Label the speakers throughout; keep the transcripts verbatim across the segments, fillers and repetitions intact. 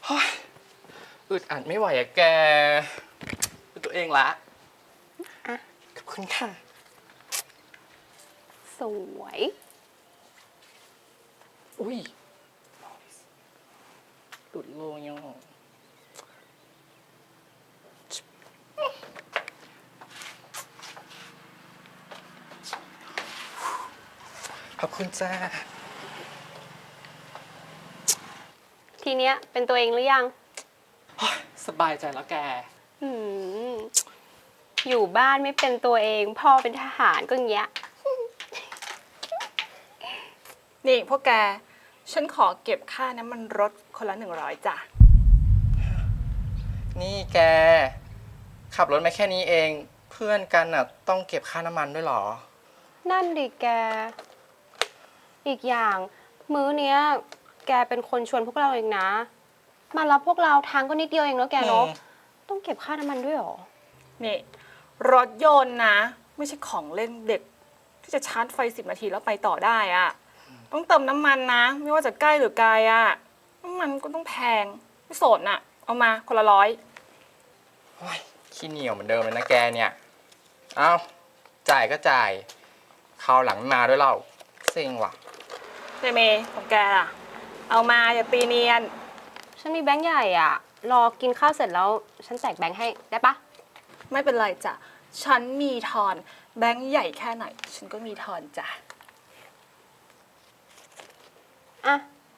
Speaker 1: เฮ้ยอึดอัดไม่ไหวอะแกเป็นตัวเองละ
Speaker 2: อ่ะ
Speaker 1: ขอบคุณค่ะ
Speaker 2: สวย
Speaker 1: อุ้ยหลุดโลยังขอบคุณจ้า
Speaker 2: ทีเนี้ยเป็นตัวเองหรือยัง
Speaker 1: สบายใจแล้วแก
Speaker 2: อืมอยู่บ้านไม่เป็นตัวเองพ่อเป็นทหารก็อย่างเงี้ย
Speaker 3: นี่พวกแก ฉันขอเก็บค่าน้ำมันรถคนละหนึ่งร้อยจ้ะ
Speaker 1: นี่แก ขับรถมาแค่นี้เอง เพื่อนกันอ่ะต้องเก็บค่าน้ำมันด้วยเหรอ
Speaker 2: นั่นดิแก อีกอย่างมื้อเนี้ย แกเป็นคนชวนพวกเราเองนะ มารับพวกเราทางก็นิดเดียวเองเนาะแกเนาะ
Speaker 1: อืม
Speaker 2: ต้องเก็บค่าน้ำมันด้วยเหรอ
Speaker 3: นี่ รถยนต์นะ ไม่ใช่ของเล่นเด็ก ที่จะชาร์จไฟสิบนาทีแล้วไปต่อได้อะต้องเติมน้ำมันนะ ไม่ว่าจะใกล้หรือไกลอะน้ำมันก็ต้องแพง ไม่สนอะเอามาคนละร้อย
Speaker 1: โอ้ยขี้เหนียวเหมือนเดิมเลยนะแกเนี่ย เอาจ่ายก็จ่ายคราวหลังไม่มาด้วยเราเซ็งว่ะ
Speaker 3: เจเมย์ของแกล่ะ เอามาอย่าตีเนียน
Speaker 2: ฉันมีแบงค์ใหญ่อ่ะ รอกินข้าวเสร็จแล้ว ฉันแจกแบงค์ให้ได้ปะ
Speaker 3: ไม่เป็นไรจ้ะ ฉันมีทอน แบงค์ใหญ่แค่ไหน ฉันก็มีทอนจ้ะ
Speaker 2: อ่ะ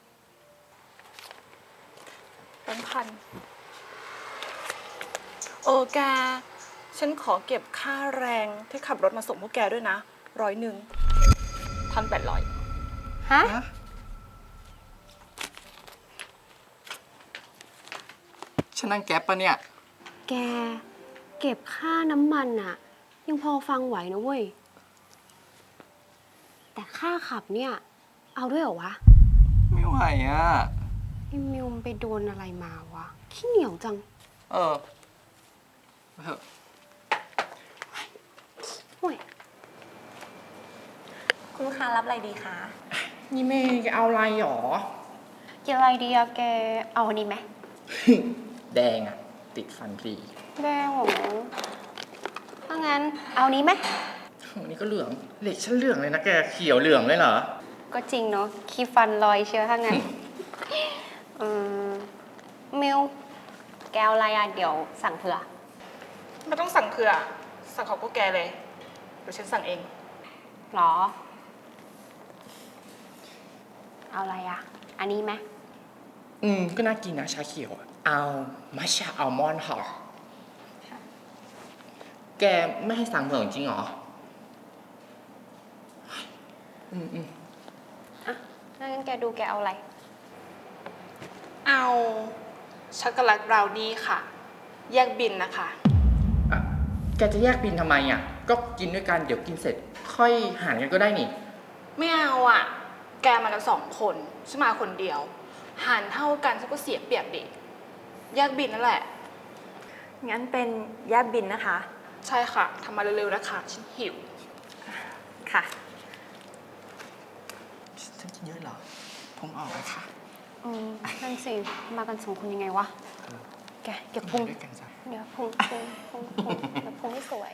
Speaker 3: แบงค์พันโอแก ฉันขอเก็บค่าแรงที่ขับรถมาส่งพวกแกด้วยนะ ร้อยหนึ่งพันแปดร้อย
Speaker 2: ฮะ
Speaker 1: ฉันนั่งแก๊ปปะเนี่ย
Speaker 2: แก เก็บค่าน้ำมันอะยังพอฟังไหวนะเว้ย แต่ค่าขับเนี่ย เอาด้วยเหรอวะ
Speaker 1: ไม่ไหวอ่ะ
Speaker 2: ไอ้มิวมนไปโดนอะไรมาวะ ขี้เหนียวจัง
Speaker 1: เออเออ
Speaker 2: ห่วย
Speaker 4: คุณลูกค้ารับอะไรดีคะ
Speaker 1: นี่เมย์เอาอะไรหรอ
Speaker 2: กินอะไรดีอะแก เอาอันนี้ไหม
Speaker 1: แดงอ่ะ ติดฟันพลี
Speaker 2: แดงเหรอถ้างั้น เอานี้ไหม
Speaker 1: วันนี้ก็เหลืองเหล็กฉันเหลืองเลยนะแกเขียวเหลืองเลยเหรอ
Speaker 2: ก็จริงเนาะคีฟันลอยเชียวถ้างั้น อืมมิว แกเอาอะไรอะเดี๋ยวสั่งเผื่อ
Speaker 3: ไม่ต้องสั่งเผื่อ สั่งของพวกแกเลย เดี๋ยวฉันสั่งเอง
Speaker 2: หรอ เอาอะไรอะอันนี้ไหม
Speaker 1: อืม ก็น่ากินนะชาเขียวอะเอามัชชาอัลมอนด์ค่ะแกไม่ให้สั่งเผื่อจริงเหรอ อืมอืม
Speaker 2: อ่ะถ้างั้นแกดูแกเอาอะไร
Speaker 3: เอาช็อกโกแลตบราวนี่ค่ะ แยกบินนะคะ
Speaker 1: อ่ะแกจะแยกบินทำไมอ่ะ ก็กินด้วยกันเดี๋ยวกินเสร็จ ค่อยหารกันก็ได้นี่
Speaker 3: ไม่เอาอ่ะ แกมากันสองคน ฉันมาคนเดียว หารเท่ากันฉันก็เสียเปรียบดิ แยกบินนั่นแหละ
Speaker 4: งั้นเป็นแยกบินนะคะ
Speaker 3: ใช่ค่ะ ทำมาเร็วๆนะคะ ฉันหิว
Speaker 4: ค่ะ
Speaker 1: ฉันกินเยอะเหรอพุงออกเลยค่ะ
Speaker 2: อืมนั่นสิ มากันสองคนยังไงวะ แกเก็บพุง
Speaker 1: ด้วยกันจ้ะ
Speaker 2: เดี๋ยวพุงพุงพุงพุงเดี๋ยวพุงให้สวย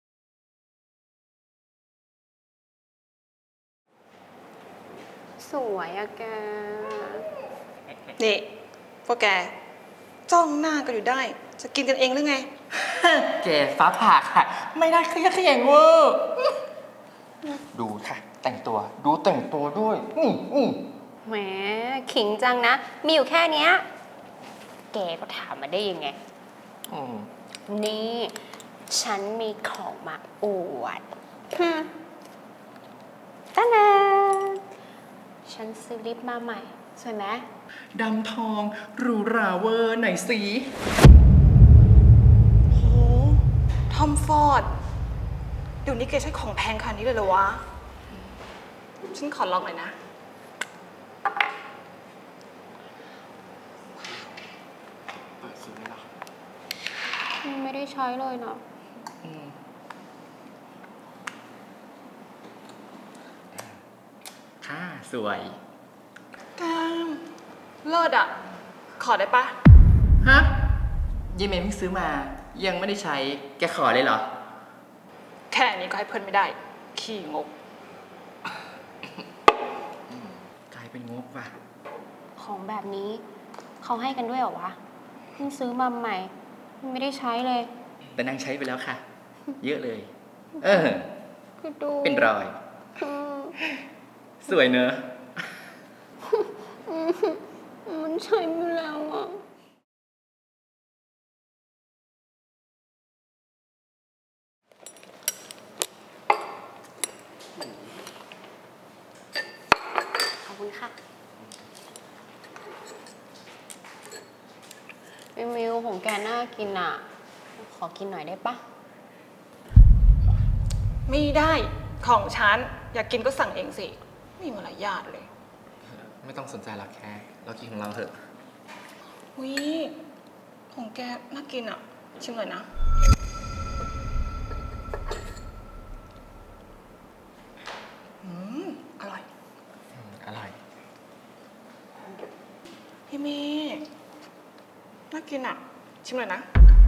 Speaker 2: สวยอะแก
Speaker 3: นี่พวกแก จ้องหน้ากันอยู่ได้ จะกินกันเองหรือไง
Speaker 1: แกฟ้าผ่าค่ะ ไม่ได้เครียดเขียงเวอร์ดูค่ะ แต่งตัว ดูแต่งตัวด้วย อืมอืม
Speaker 2: แหมขิงจังนะ มีอยู่แค่เนี้ย แกก็ถามมาได้ยังไง
Speaker 1: อืม
Speaker 2: นี่ ฉันมีของมาอวดฮึตาดาฉันซื้อลิปมาใหม่ สวยไหม
Speaker 1: ดำทองหรูหราเวอร์ไหนสี
Speaker 3: โห ทอมฟอร์ด เดี๋ยวนี้แกใช้ของแพงขนาดนี้เลยเหรอวะ ฉันขอลองหน่อยนะ
Speaker 1: เปิดซื้อเลยเหรอ
Speaker 2: ไม่ได้ใช้เลยนะ
Speaker 1: อืมค่ะ สวย
Speaker 3: แกมเลิศอ่ะ ขอได้ปะ
Speaker 1: ฮะยี่เมย์เพิ่งซื้อมา ยังไม่ได้ใช้ แกขอเลยเหรอ
Speaker 3: แค่นี้ก็ให้เพื่อนไม่ได้ ขี้งก
Speaker 1: กลายเป็นงบว่ะ
Speaker 2: ของแบบนี้เขาให้กันด้วยเหรอวะเพิ่งซื้อมาใหม่ ไม่ได้ใช้เลย
Speaker 1: แต่นางใช้ไปแล้วค่ะ เยอะเลย เออ
Speaker 2: คือดู
Speaker 1: เป็นรอย
Speaker 2: อืม
Speaker 1: สวยเนอะ
Speaker 2: มันใช้ไปแล้วอ่ะ ขอบคุณค่ะมิวมิวของแกน่ากินอ่ะ ขอกินหน่อยได้ปะ
Speaker 3: ไม่ได้ของฉัน อยากกินก็สั่งเองสิไม่มีมารยาทเลย
Speaker 1: ไม่ต้องสนใจหรอกแค่ เรากินของเราเถอะ
Speaker 3: วิของแกน่ากินอ่ะ ชิมหน่อยนะ อืม อร่อย
Speaker 1: อืมอร่อย
Speaker 3: พี่เมย์น่ากินอ่ะ ชิมหน่อยนะ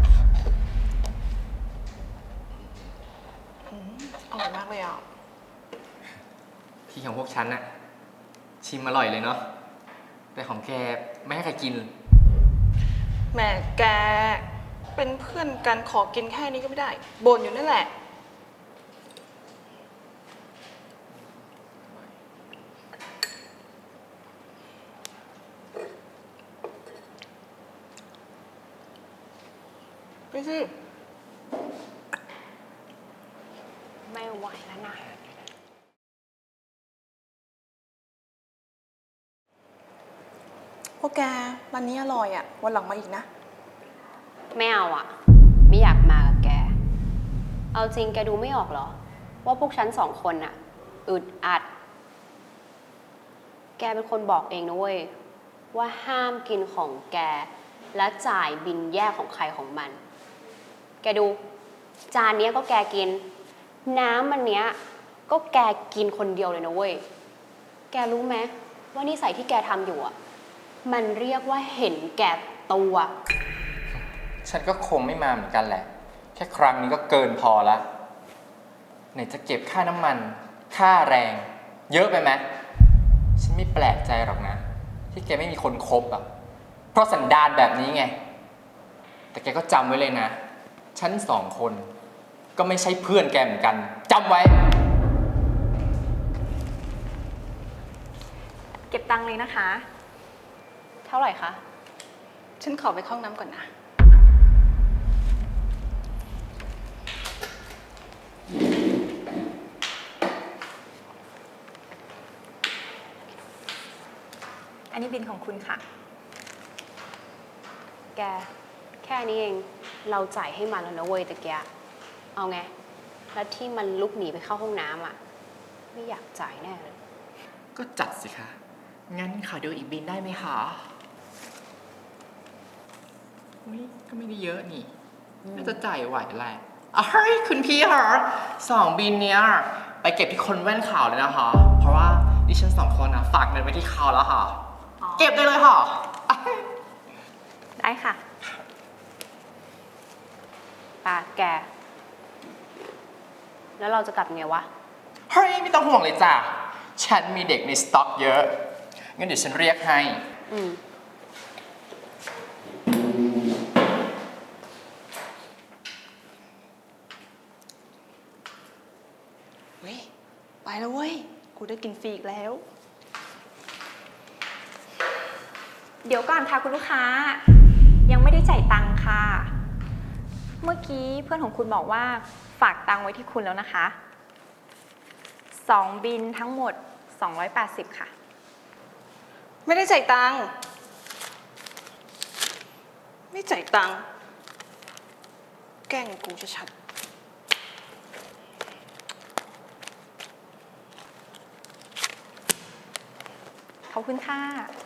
Speaker 3: อืมอร่อยมากเลยอ่ะ
Speaker 1: ที่ของพวกฉันน่ะ ชิมอร่อยเลยเนาะ แต่ของแกไม่ให้ใครกิน
Speaker 3: แหม่แกเป็นเพื่อนกันขอกินแค่นี้ก็ไม่ได้บ่นอยู่นั่นแหละ ไปสิ
Speaker 2: ไม่ไหวแล้วนะ
Speaker 3: พวกแกร้านนี้อร่อยอ่ะ วันหลังมาอีกนะ
Speaker 2: ไม่เอาอ่ะ ไม่อยากมากับแก เอาจริงแกดูไม่ออกเหรอ ว่าพวกฉันสองคนน่ะอึดอัด แกเป็นคนบอกเองนะเว้ย ว่าห้ามกินของแก และจ่ายบินแยกของใครของมัน แกดู จานเนี้ยก็แกกิน น้ำมันเนี้ย ก็แกกินคนเดียวเลยนะเว้ย แกรู้ไหมว่านิสัยที่แกทำอยู่อ่ะ มันเรียกว่าเห็นแก่ตัว
Speaker 1: ฉันก็คงไม่มาเหมือนกันแหละ แค่ครั้งนี้ก็เกินพอละไหนจะเก็บค่าน้ำมัน ค่าแรง เยอะไปไหมฉันไม่แปลกใจหรอกนะ ที่แกไม่มีคนคบอ่ะ เพราะสันดานแบบนี้ไง แต่แกก็จำไว้เลยนะ ฉันสองคน ก็ไม่ใช่เพื่อนแกเหมือนกันจำไว้
Speaker 4: เก็บตังค์เลยนะคะ
Speaker 2: เท่าไหร่คะ
Speaker 3: ฉันขอไปเข้าห้องน้ำก่อนนะ
Speaker 4: อันนี้บินของคุณค่ะ
Speaker 2: แก แค่นี้เอง เราจ่ายให้มันแล้วนะเว้ยตะเกียเอาไง แล้วที่มันลุกหนีไปเข้าห้องน้ำอ่ะ ไม่อยากจ่ายแน่เลย
Speaker 1: ก็จัดสิคะ งั้นขอดูอีกบินได้ไหมคะอุ้ยก็ไม่ได้เยอะนี่ น่าจะจ่ายไหวแหละอ่ะเฮ้ยคุณพี่คะสองบินเนี้ยไปเก็บที่คนแว่นขาวเลยนะคะ เพราะว่าดิฉันสองคนนะฝากเงินไว้ที่เขาแล้วค่ะ
Speaker 4: อ๋อ
Speaker 1: เก็บได้เลยค่ะอ่ะ
Speaker 4: ได้ค่ะ
Speaker 2: ป่ะแก แล้วเราจะกลับไงวะ
Speaker 1: เฮ้ยไม่ต้องห่วงเลยจ้ะ ฉันมีเด็กในสต็อกเยอะ งั้นเดี๋ยวฉันเรียกให้
Speaker 2: อืม
Speaker 3: เฮ้ย ไปแล้วเว้ย กูได้กินฟรีอีกแล้ว
Speaker 4: เดี๋ยวก่อนค่ะคุณลูกค้า ยังไม่ได้จ่ายตังค์ค่ะ เมื่อกี้เพื่อนของคุณบอกว่าฝากตังค์ไว้ที่คุณแล้วนะคะ สองบินทั้งหมด สองร้อยแปดสิบ ค่ะ
Speaker 3: ไม่ได้จ่ายตังค์ ไม่จ่ายตังค์ แกล้งกูชัด
Speaker 4: ขอบคุณค่ะ